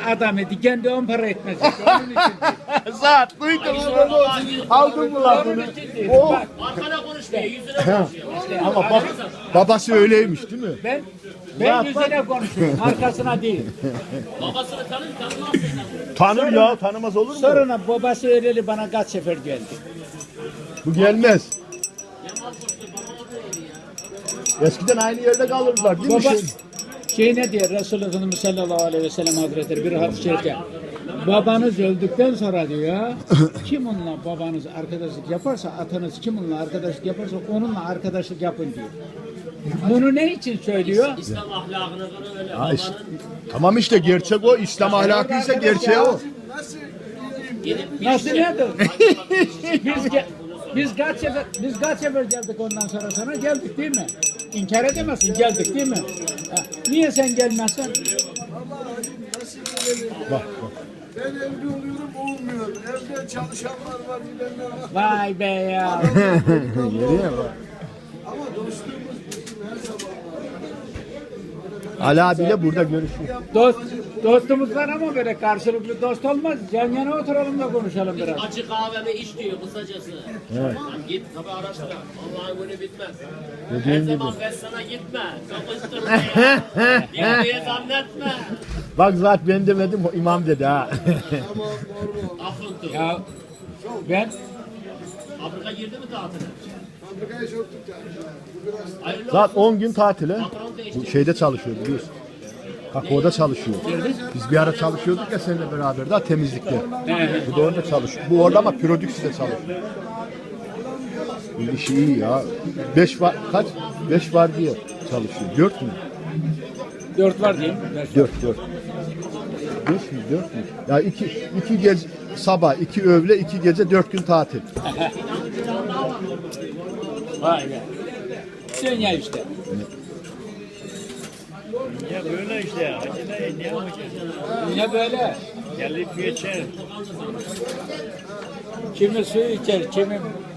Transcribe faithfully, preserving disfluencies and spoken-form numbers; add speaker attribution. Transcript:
Speaker 1: adam idi. Kendi on para etmez. Onun için değil.
Speaker 2: Zat duydun mu? Aldın mı lan bunu?
Speaker 1: Onun için değil.
Speaker 2: Oh.
Speaker 1: Bak,
Speaker 3: Arkada konuşmuyor, yüzüne konuşuyor.
Speaker 2: Ama bak, babası öyleymiş değil mi?
Speaker 1: ben ben yüzüne konuşuyorum. Arkasına değil.
Speaker 3: Babasını tanır, tanımaz seni.
Speaker 2: Tanır ya, tanımaz olur mu?
Speaker 1: Sonra babası öyleli bana kaç sefer geldi.
Speaker 2: Bu gelmez. Eskiden aynı yerde kalırdılar değil mi?
Speaker 1: Baba
Speaker 2: Şey?
Speaker 1: şey ne diyor Resulullah Efendimiz sallallahu aleyhi ve sellem hazretleri bir hadis-i şerifte. Babanız öldükten sonra diyor kim onunla babanız arkadaşlık yaparsa atanız kim onunla arkadaşlık yaparsa onunla arkadaşlık yapın diyor. Bunu ne için söylüyor?
Speaker 3: İslam ahlakına göre öyle.
Speaker 2: Ha, işte, tamam işte gerçek o. İslam ahlakıysa gerçeği o.
Speaker 1: Nasıl nedir? biz ge- biz kaç sefer biz kaç sefer geldik ondan sonra sana geldik değil mi? İnkar edemezsin geldik değil mi? Ha, niye sen gelmezsen?
Speaker 2: Bak bak.
Speaker 4: Ben evli oluyorum olmuyor. Evde çalışanlar var, bilenler var.
Speaker 1: Vay be ya.
Speaker 2: Geriye bak.
Speaker 4: Ama dostluğumuz bizim her zaman var.
Speaker 2: Ali abiyle burada görüşüyor.
Speaker 1: Dost, dostumuz var ama böyle karşılıklı dost olmaz. Yan yana oturalım da konuşalım biraz.
Speaker 3: Acı kahvemi iç diyor kısacası. Evet. Git tabi araştır. Vallahi günü bitmez. Her zaman ben sana gitme. Kapıştırma ya. Diye diye zannetme.
Speaker 2: Bak zaten ben demedim o imam dedi ha.
Speaker 3: Afıntı.
Speaker 1: Ya ben
Speaker 3: Afrika girdi mi tatile?
Speaker 4: Fabrikaya soktuk yani. Bu biraz
Speaker 3: Hayırlı
Speaker 2: Zaten on gün tatile.
Speaker 3: patron değişti.
Speaker 2: Bu şeyde çalışıyor biliyorsun. Kakao'da çalışıyor. Biz bir ara çalışıyorduk ya seninle beraber daha temizlikte. Bu da orada çalışıyor. Bu orada ama prodükside çalışıyor. Bu işi iyi ya. Beş var kaç? Beş var diye çalışıyor. Dört mü?
Speaker 1: dört var diyeyim.
Speaker 2: Dört dört. Beş mi? Dört mü? Ya iki, iki gece sabah, iki öğle, iki gece, dört gün tatil.
Speaker 1: Vay be. Dünya işte.
Speaker 5: Ya böyle işte. Acı da ne yapacağız?
Speaker 1: Dünya böyle.
Speaker 5: Gelip geçer.
Speaker 1: Kimi su içer, kimi